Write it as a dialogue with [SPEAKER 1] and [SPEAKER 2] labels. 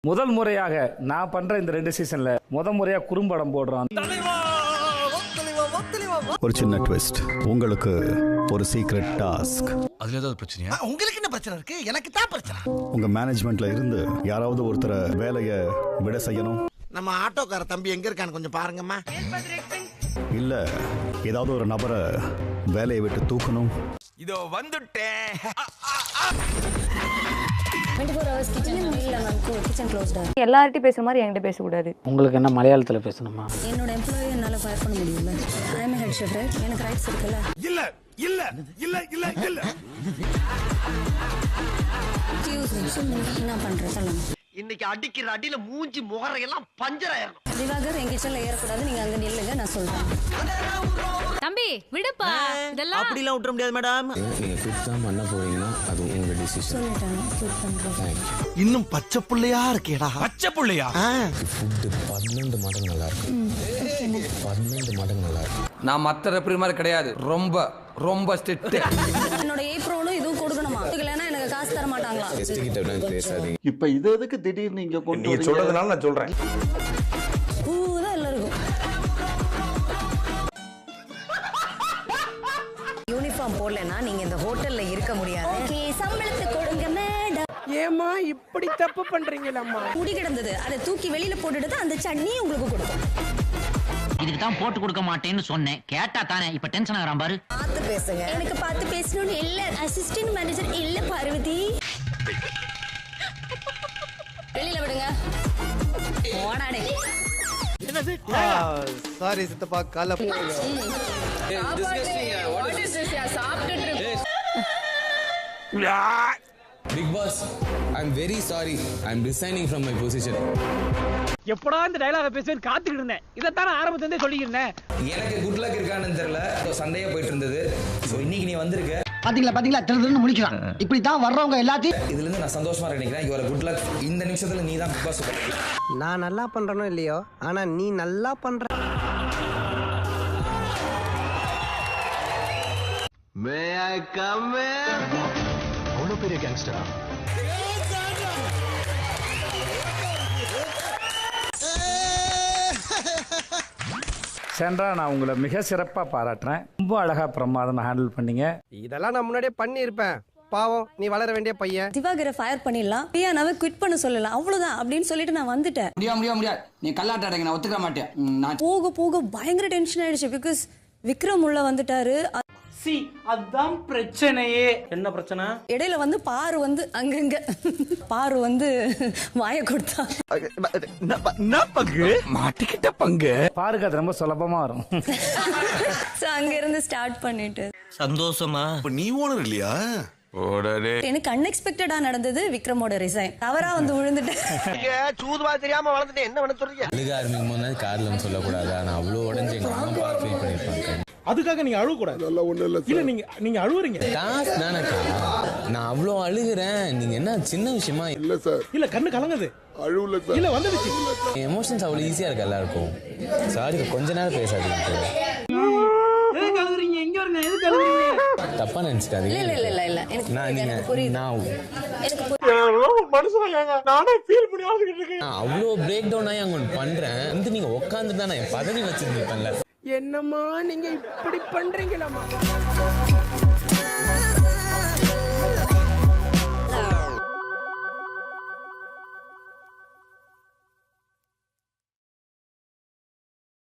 [SPEAKER 1] முதல் முறையாக நான் பண்ற இந்த 2 சீசன்ல முறையா குறும்படம் போடுறோம்.
[SPEAKER 2] ஒரு சின்ன ட்விஸ்ட், உங்களுக்கு ஒரு சீக்ரெட் டாஸ்க்.
[SPEAKER 3] அதுல ஏதாவது பிரச்சனையா?
[SPEAKER 4] உங்களுக்கு என்ன பிரச்சனை இருக்கு? எனக்கு தான் பிரச்சனை.
[SPEAKER 2] உங்க மேனேஜ்மெண்ட்ல இருந்து யாராவது ஒருத்தரை வேலையை விட செய்யணும்.
[SPEAKER 4] நம்ம ஆட்டோக்கார தம்பி எங்க இருக்கான்னு கொஞ்சம் பாருங்கம்மா.
[SPEAKER 2] இல்ல ஏதாவது ஒரு நபரை வேலையை விட்டு தூக்கணும்.
[SPEAKER 3] இதோ வந்துட்டேன்.
[SPEAKER 5] 24 hours கிச்சன் இல்ல மேம், கிச்சன் க்ளோஸ்டா.
[SPEAKER 6] எல்லார்ட்டையும் பேசுற மாதிரி என்கிட்ட பேசக்கூடாது.
[SPEAKER 7] உங்களுக்கு என்ன மலையாளத்தில் பேசணுமா?
[SPEAKER 5] என்னோட எம்ப்ளாயி என்னால ஃபயர் பண்ண முடியல. ஐ அம் ஹெட் ஷெஃப், எனக்கு ரைட்ஸ் இருக்குல்ல.
[SPEAKER 3] இல்ல இல்ல இல்ல இல்ல இல்ல.
[SPEAKER 5] என்ன பண்றேன் சொல்லுங்க.
[SPEAKER 4] இன்னைக்கு அடிக்கிற அடியில மூஞ்சி முகரையெல்லாம் பஞ்சர் ஆயிரும்.
[SPEAKER 5] திவாகர் என் கிச்சன்ல ஏறக்கூடாது, நீங்க அங்க நில்லுங்க, நான் சொல்றேன்.
[SPEAKER 6] தம்பி விடுப்பா, இதெல்லாம்
[SPEAKER 4] அப்படிலாம் விட்டுற முடியாது மேடம்.
[SPEAKER 8] நீங்க குவிட் தான் பண்ண போறீங்கன்னா அது உங்க டிசிஷன்.
[SPEAKER 5] சொல்லிட்டேன் குவிட் பண்றேன்.
[SPEAKER 4] இன்னும் பச்சை புள்ளையா இருக்கேடா.
[SPEAKER 3] பச்சை புள்ளையா?
[SPEAKER 8] ஃபுட் 12 மடங்கு நல்லா இருக்கும். 12 மடங்கு நல்லா இருக்கும்.
[SPEAKER 9] நான் மற்ற ரெப்ரி மாதிரி கிடையாது, ரொம்ப ரொம்ப ஸ்ட்ரிக்ட்.
[SPEAKER 5] என்னோட ஏப்ரோனும் இதுவும் கொடுக்கணுமா? இல்லைன்னா எனக்கு காசு தர மாட்டாங்களா?
[SPEAKER 8] கெஸ்ட் கிட்ட விட பேசாதீங்க.
[SPEAKER 10] இப்ப இது எதுக்கு திடீர்னு இங்க கொண்டு
[SPEAKER 3] நீ சொல்றதுனால நான் சொல்றேன்.
[SPEAKER 5] பூதான் எல்லாம் இருக்கும். யூனிஃபார்ம் போடலன்னா நீங்க இந்த ஹோட்டல்ல இருக்க முடியாது. ஓகே, சம்பளத்தை கொடுங்க மேடம்.
[SPEAKER 4] ஏமா இப்படி தப்பு பண்றீங்களம்மா?
[SPEAKER 5] முடி கிடந்தது, அதை தூக்கி வெளியில போட்டுட்டு அந்த சட்னி உங்களுக்கு கொடுக்கும்.
[SPEAKER 7] இதுக்கு தான் போட்டு கொடுக்க மாட்டேன்னு சொன்னேன், கேட்டா தானே இப்ப டென்ஷன் ஆகறான் பாரு.
[SPEAKER 5] பார்த்து பேசுங்க. எனக்கு பார்த்து பேசணும்னு இல்ல, அசிஸ்டன்ட் மேனேஜர் இல்ல பார்வதி. வெளியில விடுங்க. போடாடே. என்னது?
[SPEAKER 4] சாரி சித்தப்பா, கால
[SPEAKER 8] big boss, I am very sorry. I am resigning from my position.
[SPEAKER 7] எப்படா இந்த டயலாக பேசுவேன்னு காத்துக்கிட்டு இருந்தேன். இதைத்தானே ஆரம்பத்துல இருந்தே சொல்லிக்கிறேன்.
[SPEAKER 9] எனக்கு குட் லக் இருக்கான்னு தெரியல, சண்டையா போயிட்டு இருந்தது. ஸோ இன்னைக்கு நீ வந்திருக்க,
[SPEAKER 4] பாத்தீங்களா திருதுன்னு முடிக்கிறான். இப்படி தான் வர்றவங்க எல்லாத்தையும்.
[SPEAKER 9] இதுல இருந்து நான் சந்தோஷமா நினைக்கிறேன். Your good luck. இந்த நிமிஷத்துல நீ தான் பிக் பாஸ்.
[SPEAKER 4] நான் நல்லா பண்றனோ இல்லையோ, ஆனா நீ நல்லா பண்ற. May I come in?
[SPEAKER 8] அவ்வளோ பெரிய கேங்ஸ்டரா?
[SPEAKER 1] சென்றா நான் உங்களை மிக சிறப்பா பாராட்டுறேன். ரொம்ப அழகா பிரமாதமா ஹேண்டில் பண்ணீங்க.
[SPEAKER 4] இதெல்லாம் நான் முன்னாடியே பண்ணியிருப்பேன். பாவம், நீ வளர வேண்டிய பையன்.
[SPEAKER 5] திவாகரை ஃபயர் பண்ணிடலாம், பிரியானாவை குவிட் பண்ண சொல்லலாம், அவ்வளவுதான் அப்படின்னு சொல்லிட்டு நான் வந்துட்டேன்.
[SPEAKER 9] முடியாது. நீ கல்லாட்ட அடைங்க, நான் ஒத்துக்க மாட்டேன். நான்
[SPEAKER 5] போக போக பயங்கர டென்ஷன் ஆயிடுச்சு. பிகாஸ் விக்ரம் உள்ள வந்துட்டாரு.
[SPEAKER 7] அதான் பிரச்சனையே. என்ன பிரச்சனை?
[SPEAKER 5] இடையில வந்து பாரு வந்து அங்கங்க பாரு வந்து வாய கொடுத்தா.
[SPEAKER 3] மாட்டிக்கிட்ட பங்கு.
[SPEAKER 1] பாருங்க, அது ரொம்ப சுலபமா வரும்.
[SPEAKER 5] அங்க இருந்து ஸ்டார்ட் பண்ணிட்டு
[SPEAKER 3] சந்தோஷமா? நீ ஓனர் இல்லையா? ஓடரே.
[SPEAKER 5] எனக்கு அன்எக்ஸ்பெக்டடா நடந்தது விக்ரமோட ரிசைன். தவறா வந்து விழுந்துட்டேன்.
[SPEAKER 4] சூதுவா தெரியாம வளர்ந்துட்டேன். என்ன பண்ண சொல்றீங்க?
[SPEAKER 8] அழுக ஆரம்பிக்கும் போது கார்ல சொல்லக்கூடாது. நான் அவ்வளோ உடஞ்சு எங்க அம்மா ஃபீல் பண்ணிருப்பாங்க.
[SPEAKER 7] அதுக்காக நீங்க அழுக கூடாது. இல்ல நீங்க அழுவுறீங்க.
[SPEAKER 8] காசு தானக்கா, நான் அவ்வளோ அழுகுறேன். நீங்க என்ன சின்ன விஷயமா?
[SPEAKER 10] இல்ல சார்,
[SPEAKER 7] இல்ல கண்ணு கலங்குது.
[SPEAKER 10] அழுவல சார்.
[SPEAKER 7] இல்ல வந்துடுச்சு.
[SPEAKER 8] எமோஷன்ஸ் அவ்வளோ ஈஸியா இருக்கு எல்லாருக்கும். சாரி, கொஞ்ச நேரம் பேசாதீங்க.
[SPEAKER 7] எதுக்கு அழுகுறீங்க? எங்க வருங்க? எதுக்கு அழுகுறீங்க?
[SPEAKER 8] தப்பா நினைச்சுக்காதீங்க.
[SPEAKER 5] இல்ல எனக்கு புரியுது.
[SPEAKER 8] நான்
[SPEAKER 7] மனுஷன் நானே ஃபீல் பண்ணி அழுதுகிட்டு இருக்கேன்.
[SPEAKER 8] நான் அவ்வளோ பிரேக் டவுன் ஆகி அங்க பண்றேன். வந்து நீங்க உட்காந்துட்டு தான் நான் என் பதவி வச்சிருந்தேன்ல.
[SPEAKER 4] என்னம்மா நீங்க இப்படி பண்றீங்களா?